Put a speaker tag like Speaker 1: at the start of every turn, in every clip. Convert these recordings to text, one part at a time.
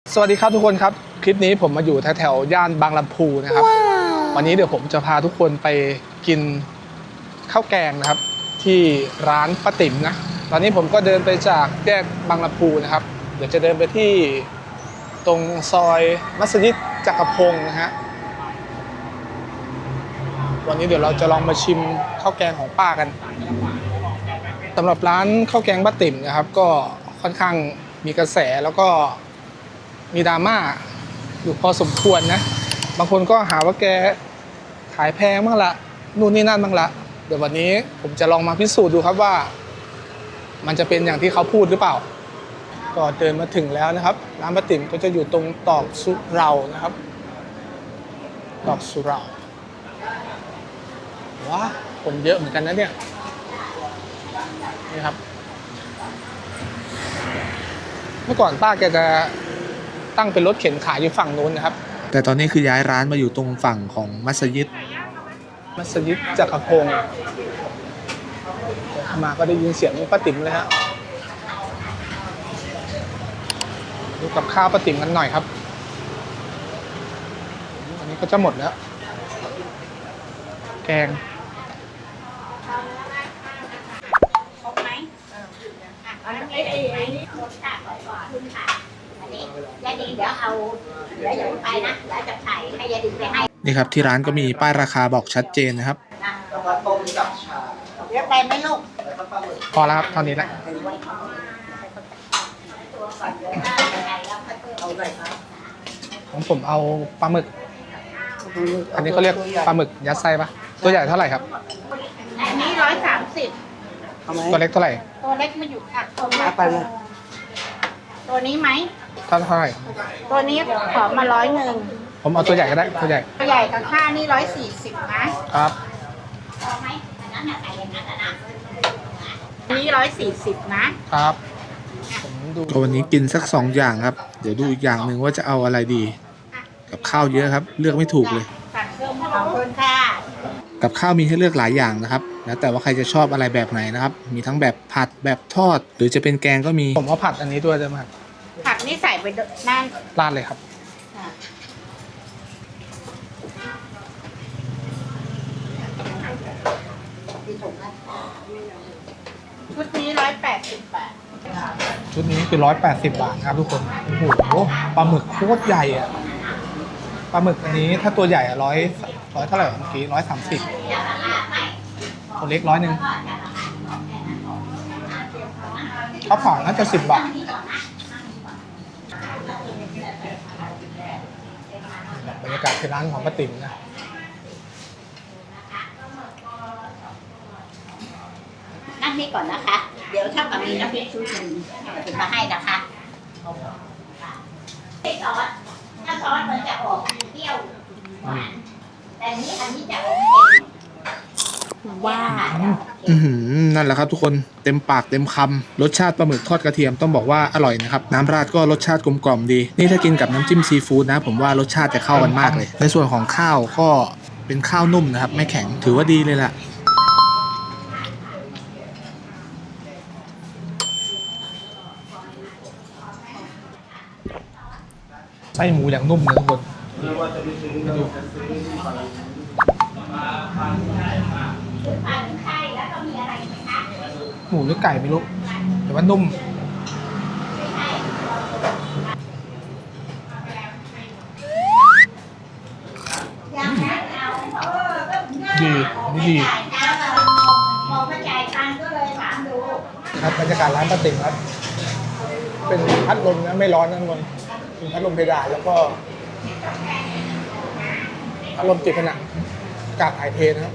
Speaker 1: สวัสดีครับทุกคนครับคลิปนี้ผมมาอยู่แถวย่านบางลำพูนะครับวันนี้เดี๋ยวผมจะพาทุกคนไปกินข้าวแกงนะครับที่ร้านป้าติ๋มนะตอนนี้ผมก็เดินไปจากแยกบางลำพูนะครับเดี๋ยวจะเดินไปที่ตรงซอยมัสยิดจักรพงศ์นะฮะวันนี้เดี๋ยวเราจะลองมาชิมข้าวแกงของป้ากันสำหรับร้านข้าวแกงป้าติ๋มนะครับก็ค่อนข้างมีกระแสแล้วก็มีดราม่าอยู่พอสมควรนะบางคนก็หาว่าแกขายแพงบ้างละนู่นนี่นั่นบ้างละเดี๋ยววันนี้ผมจะลองมาพิสูจน์ดูครับว่ามันจะเป็นอย่างที่เขาพูดหรือเปล่าก็เดินมาถึงแล้วนะครับร้านป้าติ๋มก็จะอยู่ตรงตอกสุเหร่านะครับตอกสุเหร่าว้าคนเยอะเหมือนกันนะเนี่ยนี่ครับเมื่อก่อนป้าแกจะตั้งเป็นรถเข็นขายอยู่ฝั่งนู้นนะครับแต่ตอนนี้คือย้ายร้านมาอยู่ตรงฝั่งของมัสยิดจักรพงศ์มาก็ได้ยินเสียงป้าติ๋มเลยฮะดูกับข้าวป้าติ๋มกันหน่อยครับอันนี้ก็จะหมดแล้วแกง
Speaker 2: ยายดิงเดี๋ยวอย่าไปนะเดี๋ยวจะถ่ายให้ยายดิงไปให้
Speaker 1: นี่ครับที่ร้านก็มีป้ายราคาบอกชัดเจนนะครับ
Speaker 2: เดี๋ยวไปไหมลูก
Speaker 1: พอแล้วครับเท่านี้แหละของผมเอาปลาหมึกอันนี้เขาเรียกปลาหมึกยัดไส้ปะตัวใหญ่เท่าไหร่ครับ
Speaker 2: อันนี้130
Speaker 1: ตัวเล็กเท่าไหร่
Speaker 2: ตัวเล็กมาอยู่ค่ะตัวนี้ไหม
Speaker 1: เท่าไหร่
Speaker 2: ตัวนี้ขอมา100
Speaker 1: ผมเอาตัวใหญ่ก็ได้ตัวใหญ่
Speaker 2: กับข้านี่140นะครับพอไหมอันนั้นใส่อย่างนั้นนะนี่140นะครับ
Speaker 1: ผมดูวันนี้กินสัก2อย่างครับเดี๋ยวดูอีกอย่างหนึ่งว่าจะเอาอะไรดีกับข้าวเยอะครับเลือกไม่ถูกเลย
Speaker 2: ขอบคุณค่ะ
Speaker 1: กับข้าวมีให้เลือกหลายอย่างนะครับแล้วแต่ว่าใครจะชอบอะไรแบบไหนนะครับมีทั้งแบบผัดแบบทอดหรือจะเป็นแกงก็มีผมเอาผัดอันนี้ด้วยได้ไหมครับ
Speaker 2: ผักนี่ใส่ไปนั่น
Speaker 1: ราดเลยครับ
Speaker 2: ชุดนี้180 บาท
Speaker 1: ชุดนี้คือ180 บาทครับทุกคนโอ้โหปลาหมึกโคตรใหญ่อะปลาหมึกอันนี้ถ้าตัวใหญ่อะร้อยเท่าไหร่เมื่อกี้130ตัวเล็ก100ข้าวเผาน่าจะ10 บาทบรรยากาศที่ร้านของป้าติ๋มนะ
Speaker 2: นั่งนี่ก่อนนะคะ เดี๋ยวถ้ากับมีน้ำพริกชุดหนึ่งถึงมาให้นะคะถ้าซอสมันจะออกเปรี้ยวหวานแต่อันนี้จะออกเค็มว่า
Speaker 1: นั่นแหละครับทุกคนเต็มปากเต็มคำรสชาติปลาหมึกทอดกระเทียมต้องบอกว่าอร่อยนะครับน้ำราดก็รสชาติกลมกล่อมดีนี่ถ้ากินกับน้ำจิ้มซีฟู้ดนะผมว่ารสชาติจะเข้ากันมากเลยในส่วนของข้าวก็เป็นข้าวนุ่มนะครับไม่แข็งถือว่าดีเลยล่ะไส้หมูอย่างนุ่มนะทุกคนหมูหรือไก่ไม่รู้แต่ว่านุ่มดีดีครับบรรยากาศร้านป้าติ๋มครับเป็นพัดลมนะไม่ร้อนนะทุกคนเป็นพัดลมเพดานแล้วก็พัดลมติดผนังอากาศถ่ายเทนะครับ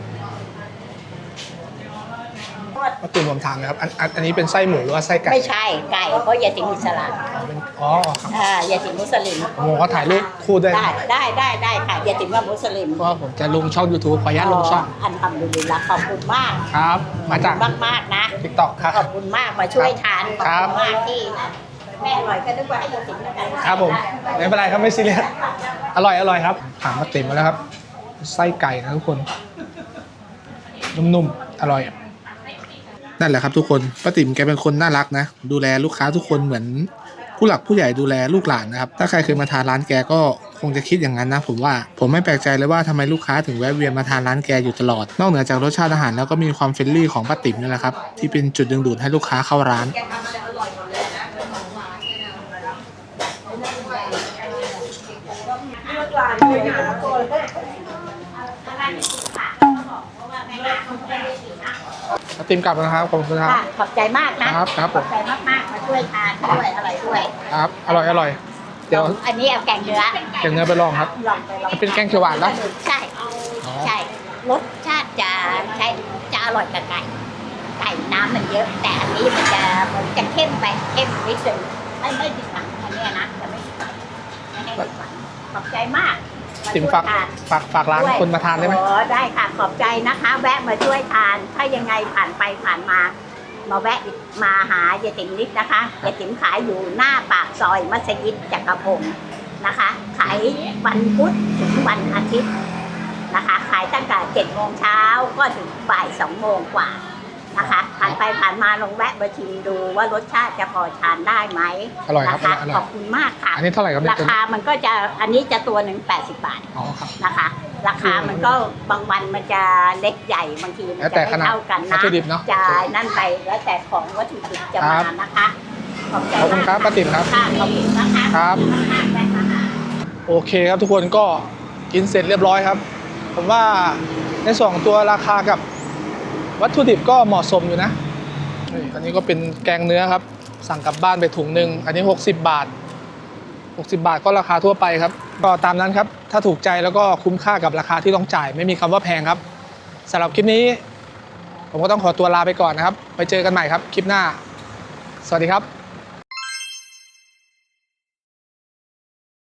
Speaker 1: ป้าติ๋มผมถามนะครับอันนี้เป็นไส้หมูหรือว่าไส้ไก่
Speaker 2: ไม่ใช่ไก่เพราะยาติมอิสลาม
Speaker 1: อ๋อครับ
Speaker 2: ยาติมมุสลิม
Speaker 1: โอ้เขาถ่ายรูปคู่ด้วย
Speaker 2: ได้ค่ะยาติมว่ามุสลิม
Speaker 1: ก็ผมจะลงช่อง YouTube ขออนุญาตลงช่อง
Speaker 2: อันทำดูดีละขอบคุณมาก
Speaker 1: ครับมาจาก
Speaker 2: มากนะ
Speaker 1: TikTok ครับ
Speaker 2: ขอบคุณมากมาช่วยทานขอบคุณมากที่แม่อร่อยก็นึกว่าให้ยาติมแล้วกัน
Speaker 1: ครับผมไม่เป็นไรครับไม่ซีเรียสอร่อยครับถามป้าติ๋มมาแล้วครับไส้ไก่นะทุกคนนุ่มๆอร่อยนั่นแหละครับทุกคนป้าติ๋มแกเป็นคนน่ารักนะดูแลลูกค้าทุกคนเหมือนผู้หลักผู้ใหญ่ดูแลลูกหลานนะครับถ้าใครเคยมาทานร้านแกก็คงจะคิดอย่างนั้นนะผมไม่แปลกใจเลยว่าทำไมลูกค้าถึงแวะเวียนมาทานร้านแกอยู่ตลอดนอกเหนือจากรสชาติอาหารแล้วก็มีความเฟรนลี่ของป้าติ๋มนี่แหละครับที่เป็นจุดดึงดูดให้ลูกค้าเข้าร้านป้าติ๋มกลับนะครับขอบคุณครับ
Speaker 2: ค่ะขอบใจมากนะครับ
Speaker 1: ครับ
Speaker 2: ขอบใจมากๆมาช่วยทานด้วยอร่อยด้วย
Speaker 1: ครับอร่อยเดี๋ยว
Speaker 2: อันนี้เอาแกงเนื้อ
Speaker 1: เก็บเนื้อไปลองครับ
Speaker 2: ลองไปลอง
Speaker 1: มันเป็นแกงเขียวหวานนะ
Speaker 2: ใช่ใช่รสชาติจะอร่อยกับไก่น้ำมันเยอะ แต่อันนี้มันจะเข้มไปเข้มนิดนึงไม่ติดหนังอันเนี้ยนะจะไม่ติดหนังไม่ให้ติดหนังขอบใจมาก
Speaker 1: ติ๋มฝากร้านคนมาทานได้ไหม
Speaker 2: โอ้ได้ค่ะขอบใจนะคะ แวะมาช่วยทาน ถ้ายังไงผ่านไปผ่านมาแวะมาหายายติ๋มนิดนะคะยายติ๋มขายอยู่หน้าปากซอยมัสยิดจักรพงศ์นะคะ ขายวันพุธถึงวันอาทิตย์นะคะ ขายตั้งแต่7 โมงเช้าก็ถึงบ่าย2 โมงกว่านะคะผ่านไปผ่านมาลองแวะมาชิมดูว่ารสชาติจะพอทานได้ไหม
Speaker 1: อร่อยครับ
Speaker 2: นะคะ
Speaker 1: อร่อย
Speaker 2: ขอบคุณมากค่ะ
Speaker 1: อันนี้เท่าไหร่ครับเนี่ย
Speaker 2: ราคามันก็จะอันนี้จะตัวหนึ่ง80 บาท
Speaker 1: อ๋อครับ
Speaker 2: นะคะ ราคามันก็บางวันมันจะเล็กใหญ่บางทีมัน
Speaker 1: แล้ว
Speaker 2: จะ
Speaker 1: แต่
Speaker 2: ไม่
Speaker 1: ขนาด
Speaker 2: เท่ากัน
Speaker 1: วัต
Speaker 2: นะ
Speaker 1: ถุดิบเนอะ
Speaker 2: จะนั่นไปแล้วแต่ของวัตถุดิบจะ
Speaker 1: ครั
Speaker 2: มา
Speaker 1: บ
Speaker 2: นะคะขอบใจ
Speaker 1: ขอบคุณครับป้าติ๋มครับ
Speaker 2: ค่ะขอบคุณนะคะ
Speaker 1: ครับ
Speaker 2: มากๆเลยค่ะ
Speaker 1: โอเคครับทุกคนก็กินเสร็จเรียบร้อยครับ ผมว่าในสองตัวราคากับวัตถุดิบก็เหมาะสมอยู่นะนี่อันนี้ก็เป็นแกงเนื้อครับ สั่งกลับบ้านไปถุงหนึ่งอันนี้60 บาท60 บาทก็ราคาทั่วไปครับก็ตามนั้นครับถ้าถูกใจแล้วก็คุ้มค่ากับราคาที่ต้องจ่ายไม่มีคำว่าแพงครับสำหรับคลิปนี้ ผมก็ต้องขอตัวลาไปก่อนนะครับไปเจอกันใหม่ครับคลิปหน้าสวัสดีครับ